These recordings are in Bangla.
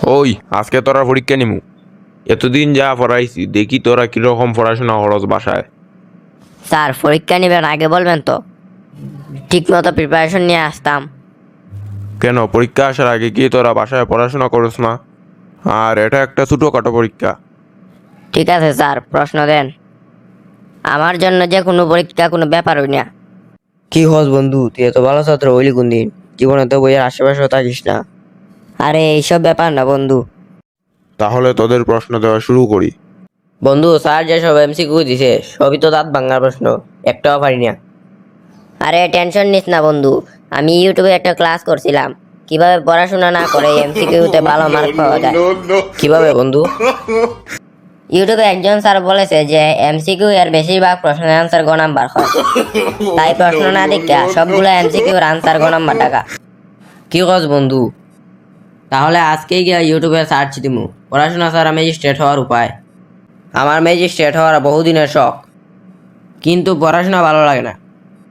ওই আজকে তোরা পরীক্ষা নিমু। এতদিন যা পড়াইছি দেখি তোরা কিরকম পড়াশোনা খরচ বাসায়। স্যার পরীক্ষা নেবেন আগে বলবেন তো, ঠিক মতো প্রিপারেশন নিয়ে আসতাম। কেন পরীক্ষা আসার আগে কি তোরা বাসায় পড়াশোনা করছ না? আর এটা একটা ছোটোখাটো পরীক্ষা। ঠিক আছে স্যার, প্রশ্ন দেন। আমার জন্য যে কোনো পরীক্ষা কোনো ব্যাপারই না। কি হস বন্ধু, তুই এত ভালো ছাত্র হইলি কোন দিন? জীবনে তো বইয়ের আশেপাশেও থাকিস না। আরে এইসব ব্যাপার না বন্ধু। তাহলে তোদের প্রশ্ন দেওয়া শুরু করি। বন্ধু, স্যার যেসব এমসিকিউ দিছে সবই তো দাঁত ভাঙার প্রশ্ন, একটাও পারি না। আরে টেনশন নিস না বন্ধু, আমি ইউটিউবে একটা ক্লাস করছিলাম কিভাবে পড়াশোনা না করে এমসিকিউতে ভালো মার্ক পাওয়া যায়। কিভাবে বন্ধু? ইউটিউবে একজন স্যার বলেছে যে এমসিকিউ এর বেশিরভাগ প্রশ্নের আনসার গ নাম্বার হয়, তাই প্রশ্ন না দেখা সবগুলো এমসিকিউর আনসার গ নাম্বার টাকা। কি হস বন্ধু? তাহলে আজকেই গিয়া ইউটিউবে সার্চ দিমু পড়াশোনা ছাড়া ম্যাজিস্ট্রেট হওয়ার উপায়। আমার ম্যাজিস্ট্রেট হওয়ার বহুদিনের শখ, কিন্তু পড়াশোনা ভালো লাগে না।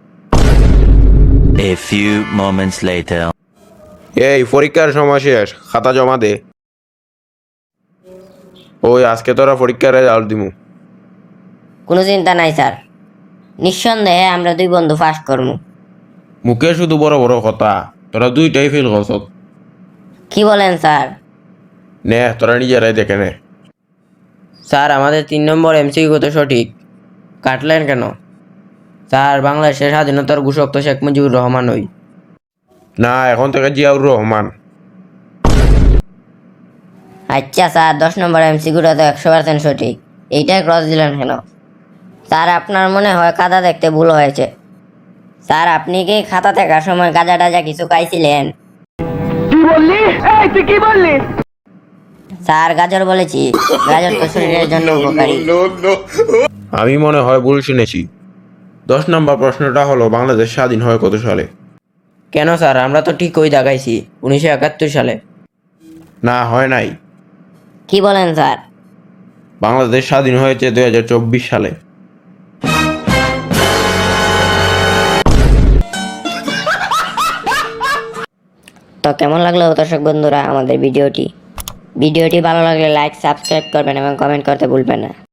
A few moments later. এই পরীক্ষার সময় শেষ, খাতা জমা দে। ওই আজকে তোরা পরীক্ষার রেজাল্ট দিমু। কোনো চিন্তা নাই স্যার, নিঃসন্দেহে আমরা দুই বন্ধু ফার্স্ট করবো। মুখে শুধু বড় বড় কথা, তোরা দুইটাই ফেল করছ। কি বলেন স্যার? নে তোরা নিজেরাই দেখে নে। স্যার আমাদের 3 নম্বর এমসিকিউ তো সঠিক, কাটলেন কেন? স্যার বাংলাদেশের স্বাধীনতার ঘোষক তো শেখ মুজিবুর রহমান ওই। না, এখন থেকে জিয়াউর রহমান। আচ্ছা স্যার, 10 নম্বর এমসিকিউটা তো 100% সঠিক, এইটাই ক্রস দিলেন কেন? স্যার আপনার মনে হয় খাতা দেখতে ভুল হয়েছে। স্যার আপনি কি খাতা দেখার সময় গাঁজা টাজা কিছু খাইছিলেন? কি বললি? এই তুই কি বললি? স্যার গাজর বলেছি, গাজর তো শরীরের জন্য উপকারী। আমি মনে হয় ভুল শুনেছি। 10 নম্বর প্রশ্নটা হলো বাংলাদেশ স্বাধীন হয় কত সালে? কেন স্যার, আমরা তো ঠিক ওই দেখাইছি 1971 সালে। না, হয় নাই। কি বলেন স্যার? বাংলাদেশ স্বাধীন হয়েছে 2024 সালে। তো কেমন লাগলো দর্শক বন্ধুরা আমাদের ভিডিওটি ভালো লাগলে লাইক সাবস্ক্রাইব করবেন এবং কমেন্ট করতে ভুলবেন না।